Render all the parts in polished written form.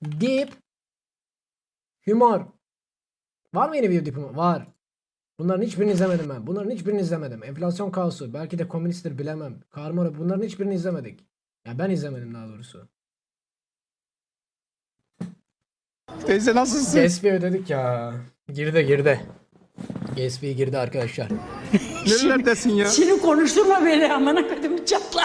Deep Humor. Var mı yeni bir Deep Humor? Var. Bunların hiçbirini izlemedim ben. Bunların hiçbirini izlemedim. Enflasyon kaosu. Belki de komünisttir bilemem. Karma. Bunların hiçbirini izlemedik. Ya ben izlemedim daha doğrusu. Teyze nasılsın? Gatsby ödedik ya. Girdi. Gatsby girdi arkadaşlar. Nerelerdesin ya? Şimdi konuşturma beni amına koydum çatla.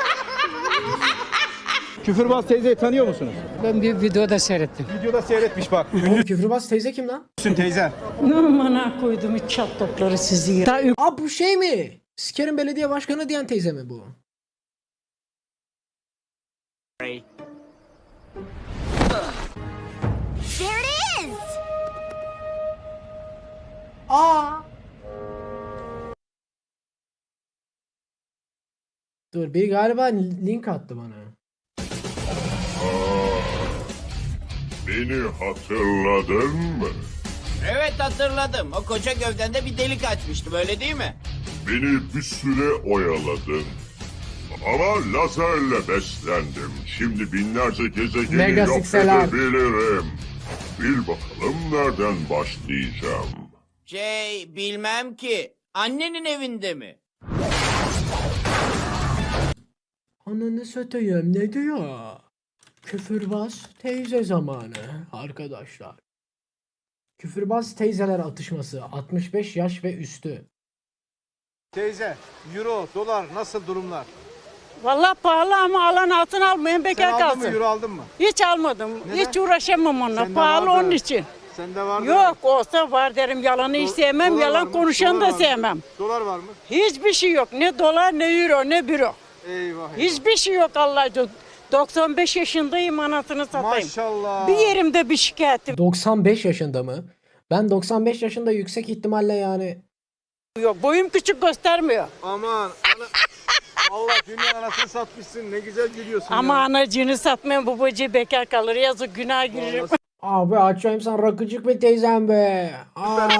Küfürbaz teyzeyi tanıyor musunuz? Ben bir videoda seyrettim. Videoda seyretmiş bak. Oğlum küfürbaz teyze kim lan? Düşün teyze. Amına koydum çat topları sizi. Aa bu şey mi? Sikerin belediye başkanı diyen teyze mi bu? There it is! Aa. Dur biri galiba link attı bana. Beni hatırladın mı? Evet hatırladım. O koca gövdende bir delik açmıştım öyle değil mi? Beni bir süre oyaladın. Ama lazerle beslendim. Şimdi binlerce gezegeni Mega yok sikseler. edebilirim. Bil bakalım nereden başlayacağım. Bilmem ki. Annenin evinde mi? Ananı satayım ne diyor? Küfürbaz teyze zamanı arkadaşlar. Küfürbaz teyzeler atışması 65 yaş ve üstü. Teyze, euro, dolar nasıl durumlar? Vallahi pahalı ama alan altın almayın Sen bekar aldın mı, kalsın. euro aldın mı? Hiç almadım. Neden? Hiç uğraşamam onunla. Sende Pahalı vardı. onun için. Sende var mı? Yok olsa var derim. Yalanı hiç sevmem. Dolar var Yalan mı? konuşanı Dolar da var mı? sevmem. Dolar var mı? Hiçbir şey yok. Ne dolar ne euro ne büro. Eyvah. Hiçbir şey yok Allah aşkına. 95 yaşındayım anasını satayım. Maşallah. Bir yerimde bir şikayetim 95 yaşında mı? Ben 95 yaşında yüksek ihtimalle yani yok. Boyum küçük göstermiyor. Aman. Allah dünya anasını satmışsın. Ne güzel gülüyorsun Ama ya. anacığını satmayan babacığı bekar kalır. Yazık günah girerim. abi açayım sen rakıcık bir teyzem be. Aa.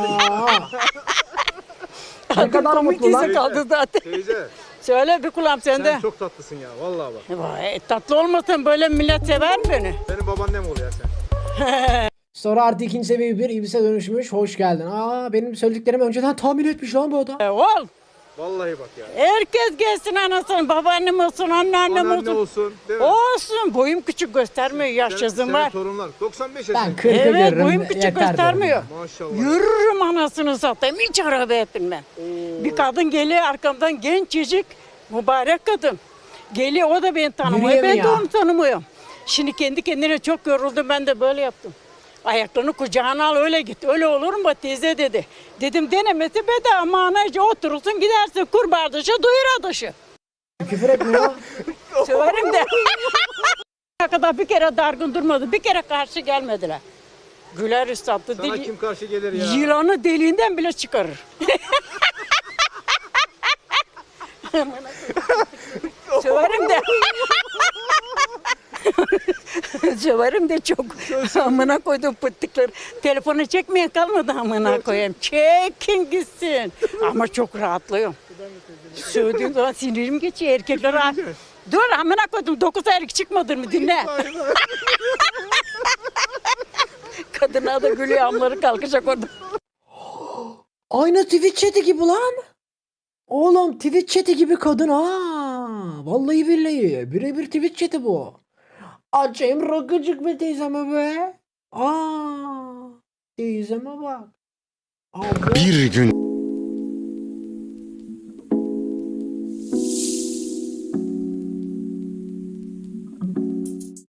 Ne kadar Komik mutlu lan. dizi kaldı zaten. Teyze, Söyle bir kulağım sende. sen çok tatlısın ya. Vallahi bak. Vay, tatlı olmasın böyle millet sever mi beni? Benim babaannem oluyor sen. Sonra artı ikinci seviye bir ibise dönüşmüş. Hoş geldin. Aa benim söylediklerimi önceden tahmin etmiş lan bu adam. Ol. Vallahi bak ya. Herkes gelsin anasını. Babaannem olsun, anneannem Anneanne olsun. olsun. Değil mi? Olsun. Boyum küçük göstermiyor. Yaşsızım Senin var. torunlar. 95 Ben yaşında. 40'ı Evet görürüm. boyum küçük yeter derim. göstermiyor. Maşallah. Yürürüm anasını satayım. Hiç arabaya binmem. Bir kadın geliyor arkamdan gencecik mübarek kadın. Geliyor o da beni tanımıyor. Ben de Yürüyemiyor. onu tanımıyorum. Şimdi kendi kendine çok yoruldum ben de böyle yaptım. Ayaklarını kucağına al öyle git. Öyle olur mu teyze dedi. Dedim denemesi bedava ama anacı oturursun gidersin kurbağa dışı duyur adışı. Küfür etmiyor. Söverim de. Ne kadar bir kere dargın durmadı. Bir kere karşı gelmediler. Güler üstadı. Sana kim karşı gelir ya? Yılanı deliğinden bile çıkarır. Söverim de. Söverim de çok. Amına koydum pıttıkları. Telefonu çekmeye kalmadı amına koyayım. Çekin gitsin. Ama çok rahatlıyorum. Söylediğim zaman sinirim geçiyor. Erkekler rahat. Dur amına koydum. 9 aylık çıkmadı mı dinle. Kadına da gülüyor amları kalkacak orada. Aynı Twitch chat'i gibi lan. Oğlum Twitch chat'i gibi kadın ha. Vallahi billahi. Birebir Twitch chat'i bu. Açayım rakıcık be teyzeme be. Aa. Teyzeme bak. Abi. Bir gün